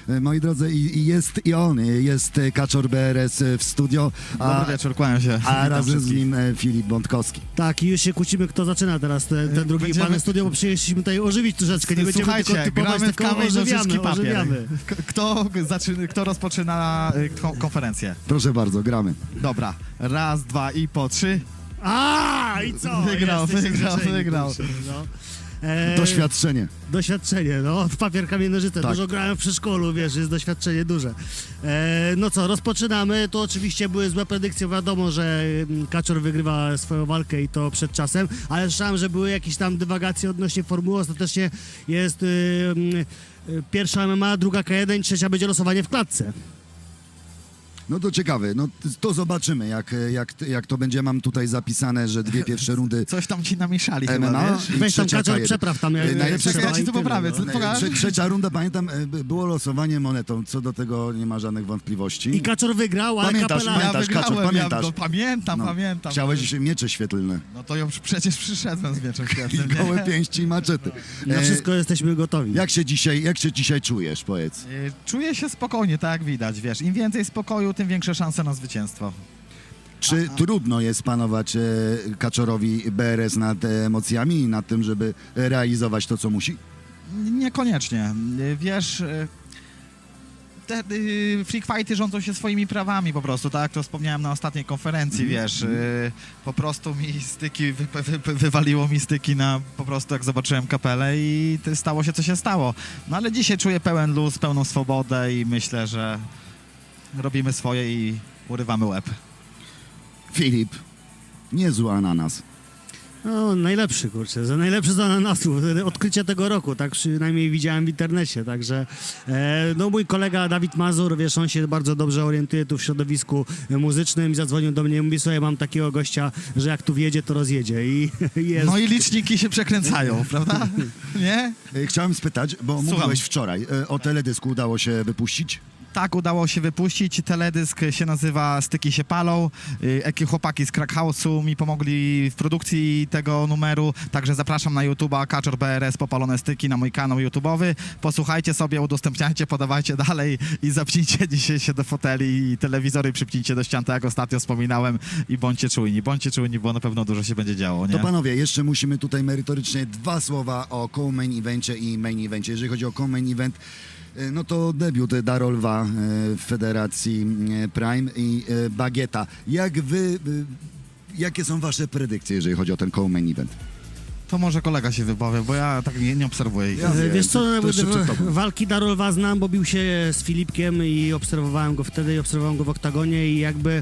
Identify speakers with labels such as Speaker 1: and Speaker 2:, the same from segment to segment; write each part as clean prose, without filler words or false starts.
Speaker 1: Moi drodzy, jest Kaczor BRS w studio,
Speaker 2: Dobry wieczór, kłaniam się.
Speaker 1: a
Speaker 2: Witam
Speaker 1: razem z
Speaker 2: wszystkich.
Speaker 1: nim Filip Bątkowski.
Speaker 3: Tak, i już się kłócimy, kto zaczyna teraz ten drugi
Speaker 2: Będziemy-
Speaker 3: pan studio, bo przyjechaliśmy tutaj ożywić troszeczkę, nie będziemy
Speaker 2: Słuchajcie,
Speaker 3: tylko typować,
Speaker 2: gramy w
Speaker 3: tylko
Speaker 2: kamień, nożyczki,
Speaker 3: ożywiamy,
Speaker 2: papier.
Speaker 3: ożywiamy.
Speaker 2: Kto rozpoczyna konferencję?
Speaker 1: Proszę bardzo, gramy.
Speaker 2: Dobra, raz, dwa i po trzy.
Speaker 3: I co?
Speaker 2: Wygrał,
Speaker 3: Jesteś
Speaker 2: wygrał,
Speaker 3: zaczęli,
Speaker 2: wygrał.
Speaker 3: kurczę, no.
Speaker 1: Doświadczenie.
Speaker 3: Doświadczenie, no, w papier, kamień, nożyce.
Speaker 1: Tak.
Speaker 3: Dużo grałem w przedszkolu, wiesz, jest doświadczenie duże. No co, rozpoczynamy. To oczywiście były złe predykcje, wiadomo, że Kaczor wygrywa swoją walkę i to przed czasem, ale słyszałem, że były jakieś tam dywagacje odnośnie formuły. Ostatecznie jest pierwsza MMA, druga K1, trzecia będzie losowanie w klatce.
Speaker 1: No to ciekawe, no to zobaczymy, jak to będzie. Mam tutaj zapisane, że dwie pierwsze rundy
Speaker 2: Coś tam ci namieszali chyba,
Speaker 1: MMA
Speaker 2: wiesz?
Speaker 1: i
Speaker 3: Weź tam
Speaker 1: trzecia
Speaker 3: Kaczor,
Speaker 1: K1.
Speaker 3: przepraw tam.
Speaker 1: Najlepsze
Speaker 2: Czekaj, ja ci
Speaker 3: i
Speaker 2: tu
Speaker 3: tyle,
Speaker 2: poprawię.
Speaker 3: no.
Speaker 2: Pokaż.
Speaker 1: Trzecia runda, pamiętam, było losowanie monetą, co do tego nie ma żadnych wątpliwości.
Speaker 3: I Kaczor wygrał, ale
Speaker 1: Pamiętasz,
Speaker 3: kapela...
Speaker 1: pamiętasz, Kaczor, pamiętasz?
Speaker 2: Pamiętam.
Speaker 1: Chciałeś miecze świetlne,
Speaker 2: No to ja przecież przyszedłem z mieczem świetnym, nie?
Speaker 1: gołe pięści i maczety.
Speaker 3: Na wszystko jesteśmy gotowi.
Speaker 1: Jak się dzisiaj czujesz, powiedz?
Speaker 2: Czuję się spokojnie, tak jak widać, wiesz. Im więcej spokoju, tym większe szanse na zwycięstwo.
Speaker 1: Czy trudno jest panować Kaczorowi BRS nad emocjami i nad tym, żeby realizować to, co musi?
Speaker 2: Niekoniecznie. Wiesz, te freak fighty rządzą się swoimi prawami po prostu, tak? To wspomniałem na ostatniej konferencji, wiesz. Po prostu mi styki, wywaliło mi styki na po prostu jak zobaczyłem kapelę i stało się, co się stało. No ale dzisiaj czuję pełen luz, pełną swobodę i myślę, że robimy swoje i urywamy łeb.
Speaker 1: Filip, niezły ananas.
Speaker 3: No, najlepszy, kurczę, najlepszy z ananasów, odkrycie tego roku, tak przynajmniej widziałem w internecie, także no mój kolega Dawid Mazur, wiesz, on się bardzo dobrze orientuje tu w środowisku muzycznym i zadzwonił do mnie i mówi, słuchaj, mam takiego gościa, że jak tu wjedzie, to rozjedzie i jest...
Speaker 2: No i liczniki się przekręcają, prawda? Nie?
Speaker 1: Chciałem spytać, bo
Speaker 2: Słucham.
Speaker 1: mówiłeś wczoraj, o teledysku udało się wypuścić?
Speaker 2: Tak, udało się wypuścić. Teledysk się nazywa Styki się palą. Chłopaki z Crack House'u mi pomogli w produkcji tego numeru, także zapraszam na YouTube'a Kaczor BRS Popalone Styki, na mój kanał YouTube'owy. Posłuchajcie sobie, udostępniajcie, podawajcie dalej i zapnijcie dzisiaj się do foteli i telewizory przypnijcie do ścian, tak jak ostatnio wspominałem i bądźcie czujni, bo na pewno dużo się będzie działo, nie?
Speaker 1: To panowie, jeszcze musimy tutaj merytorycznie dwa słowa o co-main evencie i main evencie. Jeżeli chodzi o co-main event, no to debiut Darolwa w Federacji Prime i Bagieta. Jakie są wasze predykcje, jeżeli chodzi o ten co-main event?
Speaker 2: To może kolega się wypowie, bo ja tak nie obserwuję ich.
Speaker 1: Ja wiem,
Speaker 3: Wiesz co,
Speaker 1: to jeszcze przed tobą.
Speaker 3: walki Darolwa znam, bo bił się z Filipkiem i obserwowałem go wtedy i obserwowałem go w oktagonie i jakby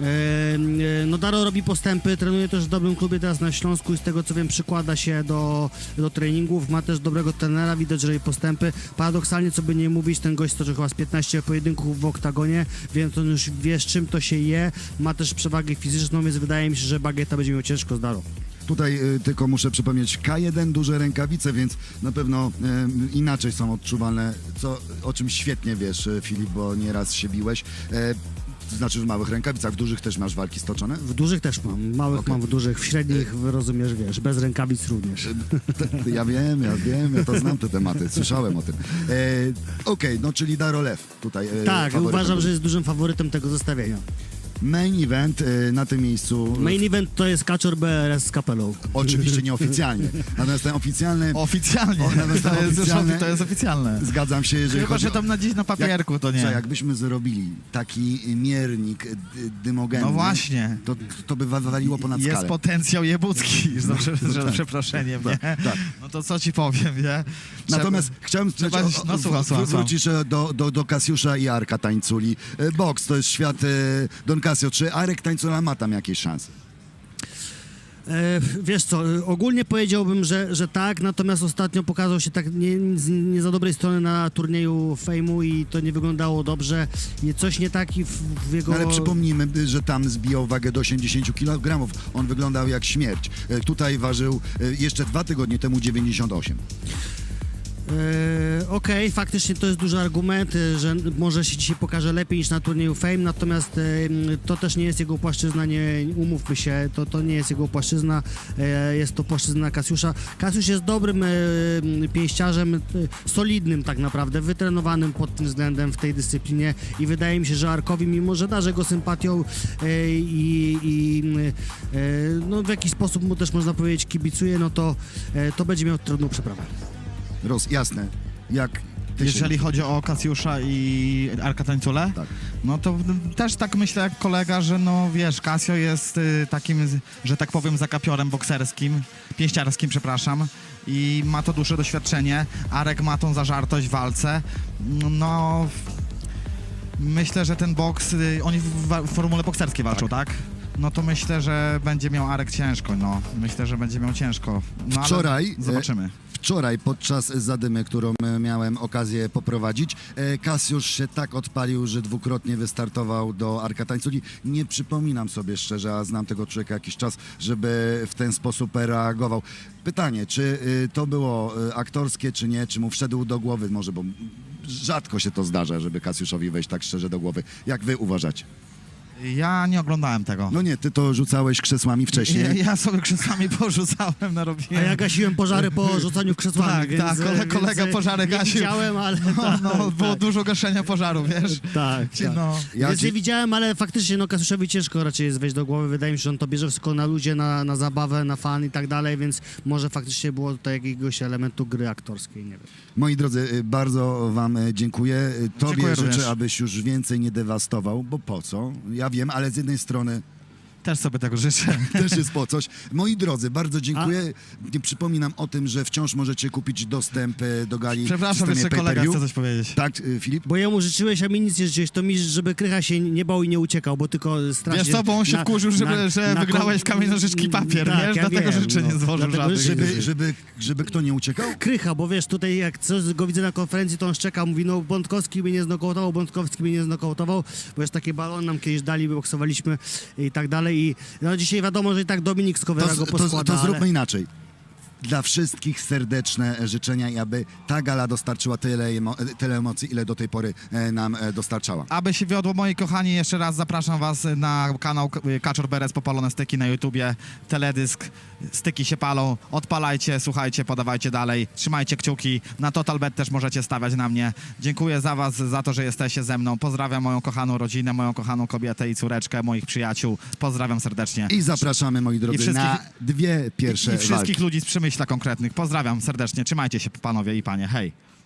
Speaker 3: no Daro robi postępy, trenuje też w dobrym klubie teraz na Śląsku i z tego co wiem przykłada się do treningów, ma też dobrego trenera, widać, że robi postępy. Paradoksalnie, co by nie mówić, ten gość stoczył chyba z 15 pojedynków w oktagonie, więc on już wie, z czym to się je, ma też przewagę fizyczną, więc wydaje mi się, że Bagieta będzie miał ciężko z Daro.
Speaker 1: Tutaj tylko muszę przypomnieć, K1 duże rękawice, więc na pewno inaczej są odczuwalne, o czym świetnie wiesz, Filip, bo nieraz się biłeś. To znaczy w małych rękawicach, w dużych też masz walki stoczone?
Speaker 3: W dużych też mam, małych
Speaker 1: Okej.
Speaker 3: mam, w dużych, w średnich, rozumiesz, wiesz, bez rękawic również.
Speaker 1: Ja wiem, ja to znam te tematy, słyszałem o tym. Okej, no czyli Darolew tutaj.
Speaker 3: Tak,
Speaker 1: faworytem
Speaker 3: uważam,
Speaker 1: był.
Speaker 3: że jest dużym faworytem tego zestawienia.
Speaker 1: Main event na tym miejscu.
Speaker 3: Main event to jest Kaczor BRS z kapelą.
Speaker 1: Oczywiście nieoficjalnie. Natomiast ten oficjalny.
Speaker 2: Oficjalnie,
Speaker 1: nawet oficjalne.
Speaker 2: to jest oficjalne.
Speaker 1: Zgadzam się, jeżeli
Speaker 2: Chyba,
Speaker 1: chodzi
Speaker 2: że tam na dziś na papierku, to nie.
Speaker 1: Jakbyśmy zrobili taki miernik dymogenny,
Speaker 2: No właśnie.
Speaker 1: to by waliło ponad
Speaker 2: Jest
Speaker 1: skalę.
Speaker 2: potencjał jebucki, za przeproszeniem, nie?
Speaker 1: tak.
Speaker 2: No to co ci powiem, nie?
Speaker 1: Natomiast chciałem
Speaker 2: słucham.
Speaker 1: wrócić do Kasiusza i Arka Tańculi. Boks to jest świat Don Casio. Czy Arek Tańcula ma tam jakieś szanse?
Speaker 3: Wiesz co, ogólnie powiedziałbym, że tak, natomiast ostatnio pokazał się tak nie za dobrej strony na turnieju Fejmu i to nie wyglądało dobrze. Coś nie tak w jego...
Speaker 1: Ale przypomnijmy, że tam zbijał wagę do 80 kg. On wyglądał jak śmierć. Tutaj ważył jeszcze 2 tygodnie temu 98.
Speaker 3: Okej, faktycznie to jest duży argument, że może się dzisiaj pokaże lepiej niż na turnieju Fame, natomiast to też nie jest jego płaszczyzna, nie umówmy się, to nie jest jego płaszczyzna, jest to płaszczyzna Kasiusza. Kasiusz jest dobrym pięściarzem, solidnym tak naprawdę, wytrenowanym pod tym względem w tej dyscyplinie i wydaje mi się, że Arkowi, mimo że darzę go sympatią no w jakiś sposób mu też można powiedzieć kibicuje, no to będzie miał trudną przeprawę.
Speaker 1: Jasne. Jak ty
Speaker 2: Jeżeli
Speaker 1: się...
Speaker 2: chodzi o Kasiusza i Arka Tańcule,
Speaker 1: Tak.
Speaker 2: no to też tak myślę jak kolega, że no wiesz, Kasio jest takim, że tak powiem, zakapiorem bokserskim, pięściarskim, przepraszam, i ma to duże doświadczenie. Arek ma tą zażartość w walce. No, myślę, że ten boks, oni w formule bokserskiej walczą, tak? No to myślę, że będzie miał Arek ciężko, no. Myślę, że będzie miał ciężko. No, ale
Speaker 1: Wczoraj,
Speaker 2: zobaczymy.
Speaker 1: Wczoraj podczas zadymy, którą miałem okazję poprowadzić, Kasiusz się tak odpalił, że dwukrotnie wystartował do Arka Tańculi. Nie przypominam sobie szczerze, a znam tego człowieka jakiś czas, żeby w ten sposób reagował. Pytanie, czy to było aktorskie, czy nie? Czy mu wszedł do głowy? Może, bo rzadko się to zdarza, żeby Kasiuszowi wejść tak szczerze do głowy. Jak wy uważacie?
Speaker 2: Ja nie oglądałem tego.
Speaker 1: No nie, ty to rzucałeś krzesłami wcześniej.
Speaker 2: Ja sobie krzesłami porzucałem, narobiłem.
Speaker 3: A ja gasiłem pożary po rzucaniu krzesłami,
Speaker 2: Tak,
Speaker 3: więc,
Speaker 2: tak, kolega pożary
Speaker 3: nie
Speaker 2: gasił.
Speaker 3: widziałem, ale
Speaker 2: No, było
Speaker 3: tak,
Speaker 2: dużo gaszenia pożaru, wiesz?
Speaker 3: tak.
Speaker 2: No.
Speaker 1: Ja
Speaker 3: Więc
Speaker 1: ci-
Speaker 3: nie widziałem, ale faktycznie no Kasiuszowi ciężko raczej jest wejść do głowy. Wydaje mi się, że on to bierze wszystko na ludzie, na zabawę, na fan i tak dalej, więc może faktycznie było tutaj jakiegoś elementu gry aktorskiej, nie wiem.
Speaker 1: Moi drodzy, bardzo wam dziękuję. Tobie
Speaker 2: Dziękuję
Speaker 1: życzę,
Speaker 2: również.
Speaker 1: abyś już więcej nie dewastował, bo po co? Ja wiem, ale z jednej strony
Speaker 2: Też sobie tego życzę.
Speaker 1: też jest po coś. Moi drodzy, bardzo dziękuję. Przypominam o tym, że wciąż możecie kupić dostęp do gali w
Speaker 2: Przepraszam,
Speaker 1: systemie
Speaker 2: jeszcze kolega
Speaker 1: pay-per-view.
Speaker 2: chce coś powiedzieć.
Speaker 1: Tak, Filip?
Speaker 3: Bo jemu życzyłeś, a mi nic nie życzyłeś, to mi, żeby Krycha się nie bał i nie uciekał, bo tylko stracił.
Speaker 2: Wiesz co, bo on się wkurzył, że wygrałeś w kamień, nożyczki, papier,
Speaker 3: tak,
Speaker 2: wiesz?
Speaker 3: ja
Speaker 2: Dlatego
Speaker 3: wiem,
Speaker 2: życzeń nie złożył
Speaker 3: dlatego
Speaker 2: żadnych.
Speaker 1: Żeby kto nie uciekał?
Speaker 3: Krycha, bo wiesz, tutaj jak coś go widzę na konferencji, to on szczeka, mówi, no Bątkowski mnie nie znokautował, Bątkowski mnie nie znokautował, bo już takie balon nam kiedyś dali, boksowaliśmy i tak dalej i no dzisiaj wiadomo, że i tak Dominik Skowera go poskłada,
Speaker 1: To zróbmy
Speaker 3: ale...
Speaker 1: inaczej. Dla wszystkich serdeczne życzenia i aby ta gala dostarczyła tyle emocji, ile do tej pory nam dostarczała.
Speaker 2: Aby się wiodło, moi kochani, jeszcze raz zapraszam was na kanał Kaczor Beres Popalone Styki na YouTubie, teledysk, styki się palą, odpalajcie, słuchajcie, podawajcie dalej, trzymajcie kciuki, na TotalBet też możecie stawiać na mnie. Dziękuję za was, za to, że jesteście ze mną, pozdrawiam moją kochaną rodzinę, moją kochaną kobietę i córeczkę, moich przyjaciół, pozdrawiam serdecznie.
Speaker 1: I zapraszamy, moi drodzy,
Speaker 2: wszystkich-
Speaker 1: na dwie pierwsze
Speaker 2: I wszystkich
Speaker 1: walki.
Speaker 2: ludzi z Przemyśla konkretnych, pozdrawiam serdecznie, trzymajcie się panowie i panie, hej.